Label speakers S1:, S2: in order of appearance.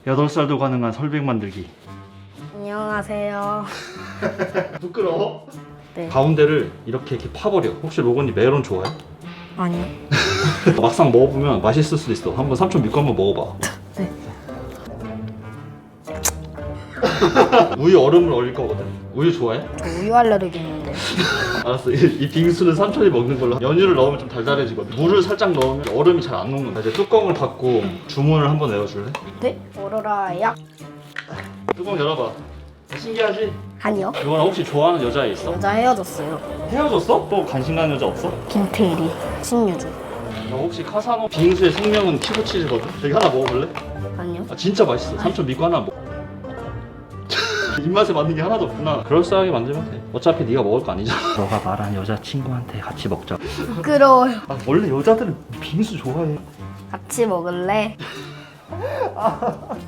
S1: 8살도 가능한 설백 만들기.
S2: 안녕하세요.
S1: 부끄러워?
S2: 네.
S1: 가운데를 이렇게 파버려. 혹시 로건이 메론 좋아해?
S2: 아니요.
S1: 막상 먹어보면 맛있을 수도 있어. 한번 삼촌 믿고 한번 먹어봐.
S2: 네.
S1: 우유 얼음을 얼릴 거거든. 우유 좋아해?
S2: 저 우유 알레르기 있는데.
S1: 알았어. 이 빙수는 삼촌이 먹는 걸로. 연유를 넣으면 좀 달달해지거든. 물을 살짝 넣으면 얼음이 잘 안 녹는다. 이제 뚜껑을 닫고 주문을 한번 내어줄래?
S2: 네? 오로라 약.
S1: 뚜껑 열어봐. 신기하지?
S2: 아니요.
S1: 이거랑 혹시 좋아하는 여자 있어?
S2: 여자 헤어졌어요.
S1: 헤어졌어? 또 관심 가는 여자 없어?
S2: 김태일이. 신유주.
S1: 너 혹시 카사노 빙수의 생명은 키보치즈거든? 여기 하나 먹어볼래?
S2: 아니요.
S1: 아 진짜 맛있어. 삼촌 믿고 하나 먹어. 입맛에 맞는 게 하나도 없구나. 그럴싸하게 만들면 돼. 어차피 네가 먹을 거 아니잖아. 너가 말한 여자친구한테 같이 먹자.
S2: 부끄러워요.
S1: 아 원래 여자들은 빙수 좋아해.
S2: 같이 먹을래?